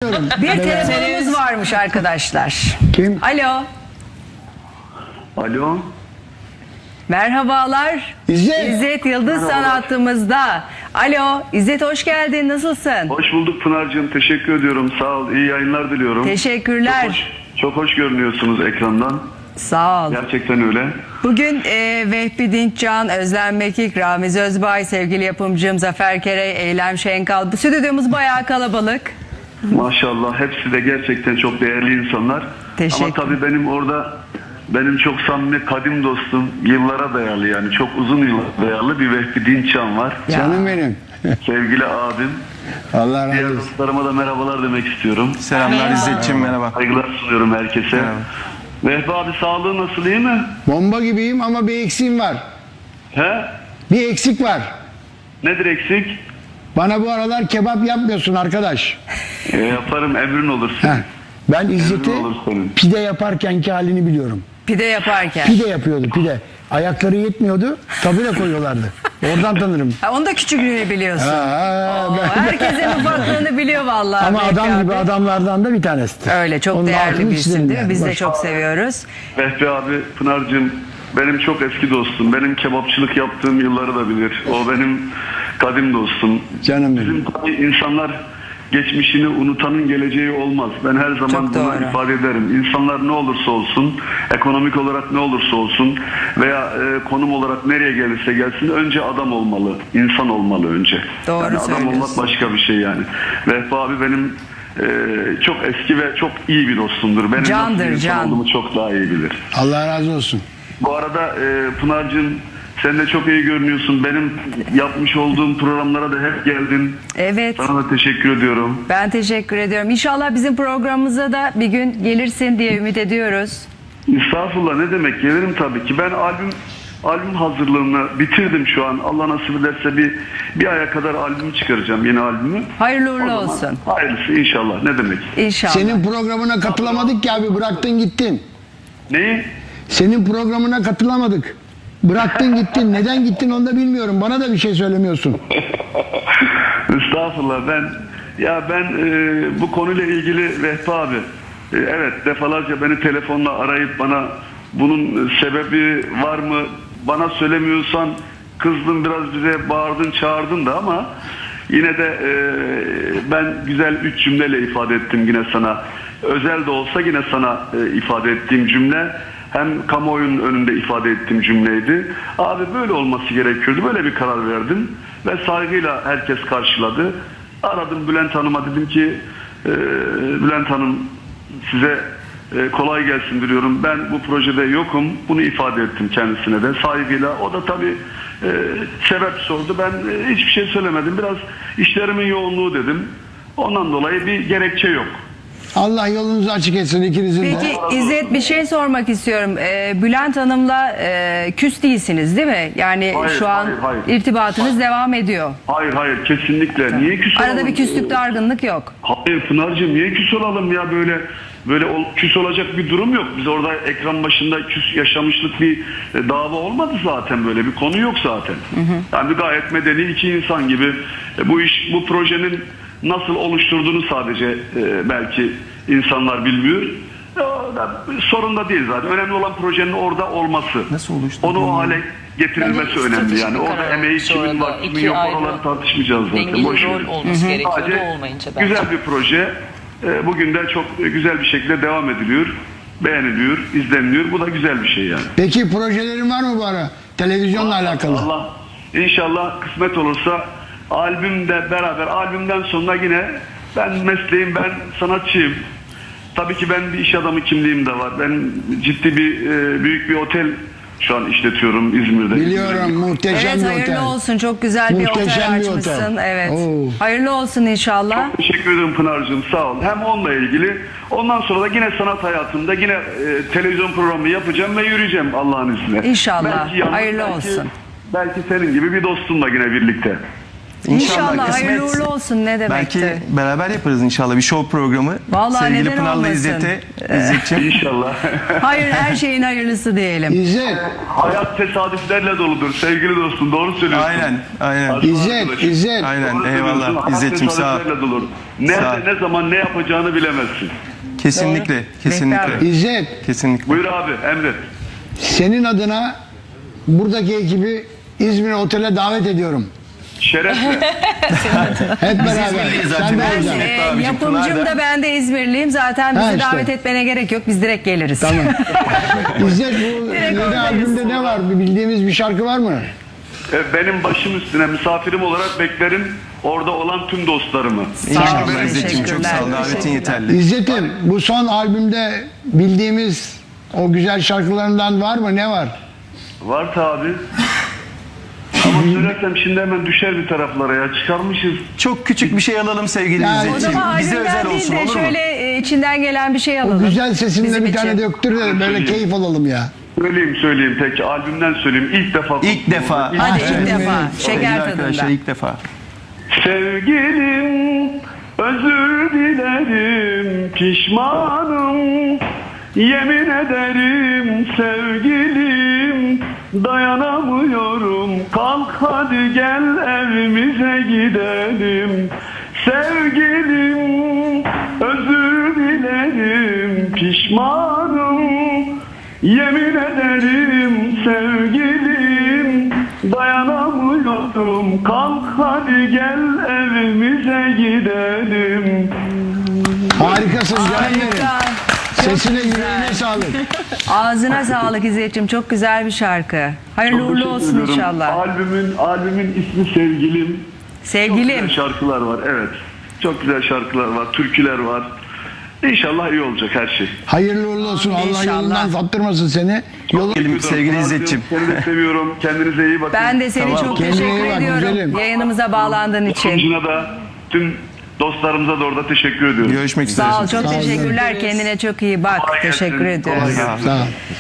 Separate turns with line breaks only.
Bir telefonumuz varmış arkadaşlar.
Kim?
Alo.
Alo.
Merhabalar.
İzzet.
İzzet Yıldız
Merhabalar.
sanatımızda. Alo. İzzet hoş geldin. Nasılsın?
Hoş bulduk Pınar'cığım. Teşekkür ediyorum. Sağ ol. İyi yayınlar diliyorum.
Teşekkürler.
Çok hoş görünüyorsunuz ekrandan.
Sağ ol.
Gerçekten öyle.
Bugün Vehbi Dinçcan, Özlem Mekik, Ramiz Özbay, sevgili yapımcım Zafer Kerey, Eylem Şenkal. Bu stüdyomuz bayağı kalabalık.
Maşallah. Hepsi de gerçekten çok değerli insanlar.
Teşekkür.
Ama tabii benim çok samimi kadim dostum, yıllara dayalı, yani çok uzun yıllara dayalı bir Vehbi Dinçcan var.
Ya.
Canım benim.
Sevgili abim.
Allah
Diğer
razı olsun.
dostlarıma da merhabalar demek istiyorum.
Selamlar İzzetciğim, merhaba.
Saygılar sunuyorum herkese.
Merhaba.
Vehbi abi, sağlığı nasıl, iyi mi?
Bomba gibiyim ama bir eksiğim var.
He?
Bir eksik var.
Nedir eksik?
Bana bu aralar kebap yapmıyorsun arkadaş.
Yaparım, emrin olur senin.
Heh. Ben İzzet'i
Emrin olur senin.
pide yaparkenki halini biliyorum.
Pide yaparken.
Pide yapıyordu pide. Ayakları yetmiyordu. Tabure koyuyorlardı. Oradan tanırım.
Ha, onu da küçüklüğünü biliyorsun. Oo, herkesin ufaklığını biliyor vallahi.
Ama
Vehbi
adam gibi
abi.
adamlardan da bir tanesi.
Öyle çok
Onun
değerli
altını
bir isim
çizelim
değil mi?
yani.
Biz de
Bak.
çok seviyoruz.
Vehbi abi, Pınar'cığım benim çok eski dostum. Benim kebapçılık yaptığım yılları da bilir. O benim kadim dostum.
Canım benim.
Bizim tabii insanlar geçmişini unutanın geleceği olmaz. Ben her zaman
Çok
bunu
doğru.
ifade ederim. İnsanlar ne olursa olsun, ekonomik olarak ne olursa olsun veya konum olarak nereye gelirse gelsin, önce adam olmalı, insan olmalı önce.
Doğru
yani adam
söylüyorsun.
olmak başka bir şey yani. Vehbi abi benim çok eski ve çok iyi bir dostumdur. Benim
Candır,
nasıl bir insan
can.
olduğumu çok daha iyi bilir.
Allah razı olsun.
Bu arada Pınar'cığım, sen de çok iyi görünüyorsun. Benim yapmış olduğum programlara da hep geldin.
Evet.
Sana da teşekkür ediyorum.
Ben teşekkür ediyorum. İnşallah bizim programımıza da bir gün gelirsin diye ümit ediyoruz.
Estağfurullah, ne demek, gelirim tabii ki. Ben albüm hazırlığını bitirdim şu an. Allah nasip ederse bir aya kadar albüm çıkaracağım, yeni albümü.
Hayırlı
O
uğurlu
zaman
olsun.
hayırlısı inşallah, ne demek.
İnşallah.
Senin programına katılamadık ki abi, bıraktın gittin.
Neyi?
Senin programına katılamadık. Bıraktın gittin. Neden gittin onu da bilmiyorum. Bana da bir şey söylemiyorsun.
Estağfurullah, ben bu konuyla ilgili Vehbi abi, evet, defalarca beni telefonla arayıp bana bunun sebebi var mı, bana söylemiyorsan kızdın biraz, bize bağırdın çağırdın da, ama yine de ben güzel 3 cümleyle ifade ettim yine sana. Özel de olsa yine sana ifade ettiğim cümle, hem kamuoyunun önünde ifade ettiğim cümleydi. Abi böyle olması gerekiyordu. Böyle bir karar verdim. Ve saygıyla herkes karşıladı. Aradım Bülent Hanım'a, dedim ki Bülent Hanım, size kolay gelsin diliyorum. Ben bu projede yokum. Bunu ifade ettim kendisine de saygıyla. O da tabii sebep sordu. Ben hiçbir şey söylemedim. Biraz işlerimin yoğunluğu dedim. Ondan dolayı bir gerekçe yok.
Allah yolunuzu açık etsin ikinizin de.
Peki İzzet, bir şey sormak istiyorum. Bülent Hanım'la küs değilsiniz değil mi? Yani
Hayır,
şu an
hayır.
irtibatınız devam ediyor.
Hayır, kesinlikle. Niye küs olalım?
Arada bir küslük, dargınlık yok.
Hayır Pınar'cığım, niye küs olalım ya, böyle küs olacak bir durum yok. Biz orada ekran başında küs yaşamışlık bir dava olmadı zaten, böyle bir konu yok zaten. Yani gayet medeni iki insan gibi bu projenin nasıl oluşturduğunu sadece belki insanlar bilmiyor. Sorun da değil zaten. Önemli olan projenin orada olması.
Nasıl oluşturduğunu-
Onu o hale getirilmesi
Bence
önemli yani.
stratejik
Orada
karar
emeği
sonra
kimin
da
var, kimin
iki
yok,
ayrı
oraları tartışmayacağız zaten.
dengeli
Boş
rol
ver.
olması gerekiyordu,
Sadece
olmayınca bence.
güzel bir proje. Bugün de çok güzel bir şekilde devam ediliyor. Beğeniliyor, izleniliyor. Bu da güzel bir şey yani.
Peki projelerin var mı bu ara? Televizyonla alakalı.
Allah inşallah kısmet olursa albümde beraber, albümden sonra yine ben sanatçıyım. Tabii ki ben bir iş adamı kimliğim de var. Ben ciddi büyük bir otel şu an işletiyorum İzmir'de.
Biliyorum, muhteşem
Evet,
bir
hayırlı
otel.
olsun. Çok güzel bir
Muhteşem
otel
bir otel.
açmışsın. Evet.
Oo.
Hayırlı olsun inşallah.
Çok teşekkür ederim Pınar'cığım, sağ ol. Hem onunla ilgili, ondan sonra da yine sanat hayatımda yine televizyon programı yapacağım ve yürüyeceğim Allah'ın izniyle.
İnşallah.
Belki yalnız,
Hayırlı olsun.
Belki senin gibi bir dostumla yine birlikte.
İnşallah
kısmet.
hayırlı uğurlu olsun, ne demekti.
Belki beraber yaparız inşallah bir show programı.
Vallahi
Sevgili
neden
Pınar'la
olmasın?
İzzet'ciğim.
İnşallah.
Hayır, her şeyin hayırlısı diyelim.
İzzet,
Hayat tesadüflerle doludur sevgili dostum. Doğru söylüyorsun.
Aynen.
İzzet.
Aynen.
Doğru
Eyvallah.
söylüyorsun. Hayat
İzzet'ciğim sağ ol.
tesadüflerle dolu.
Sağ ol.
Nerede, ne zaman, ne yapacağını bilemezsin.
Kesinlikle. Kesinlikle.
İzzet,
Kesinlikle.
Buyur abi, emret.
senin adına buradaki ekibi İzmir Otel'e davet ediyorum.
Şerefle.
Hep beraber.
İzmirliyiz zaten.
Sen de
Ben de.
olacaksın.
abicim,
Yapımcım
Pınar
da
da.
ben de İzmirliyim. Zaten bizi
Ha, işte.
davet etmene gerek yok. Biz direkt geliriz.
Tamam. İzzet, bu yeni
oradayız.
albümde ne var? Bildiğimiz bir şarkı var mı?
Benim başım üstüne misafirim olarak beklerim orada olan tüm dostlarımı.
İnşallah İzzet'ciğim çok sağ ol.
Teşekkürler.
Davetin yeterli.
İzzet'im, bu son albümde bildiğimiz o güzel şarkılarından var mı? Ne var?
Var tabi. Ama söylersem şimdi hemen düşer bir taraflara ya. Çıkarmışız.
Çok küçük bir şey alalım sevgili
Yani-
O
İzzet'ciğim.
zaman
Bize
albümden
özel
değil
olsun
de
olur mu?
şöyle içinden gelen bir şey alalım.
Güzel sesinle
Bizim
bir tane
için.
döktür de böyle keyif alalım ya.
Söyleyeyim tek albümden söyleyeyim. İlk defa.
İlk defa.
Hadi
Evet.
ilk defa.
Sevgili
Şeker
arkadaşlar
tadında.
ilk defa.
Sevgilim özür dilerim pişmanım. Yemin ederim sevgilim dayanamıyorum. Kalk hadi gel evimize gidelim. Sevgilim özür dilerim pişmanım. Yemin ederim sevgilim dayanamıyorum. Kalk hadi gel evimize gidelim.
Harikasın canım benim.
Harika.
Sesine
güzel.
yüreğine sağlık.
Ağzına sağlık İzzet'ciğim. Çok güzel bir şarkı. Hayırlı
Çok
uğurlu
teşekkür
olsun
ediyorum.
inşallah.
Albümün ismi Sevgilim. Çok
Sevgilim.
güzel şarkılar var, evet. Çok güzel şarkılar var, türküler var. İnşallah iyi olacak her şey.
Hayırlı uğurlu olsun. Allah
İnşallah.
yolundan saptırmasın seni. Yolu...
Sevgili İzzet'ciğim.
Seni de seviyorum. Kendinize iyi bakın.
Ben de seni
Tamam.
çok
Kendine iyi
teşekkür
bak,
ediyorum.
güzelim.
Yayınımıza bağlandığın için.
Yapımcına da tüm dostlarımıza da orada teşekkür ediyorum.
Görüşmek üzere.
Sağ ol. Çok
Sağ ol.
teşekkürler. Kendine çok iyi bak.
Kolay gelsin.
Teşekkür ediyoruz.
Kolay gelsin.
Sağ ol.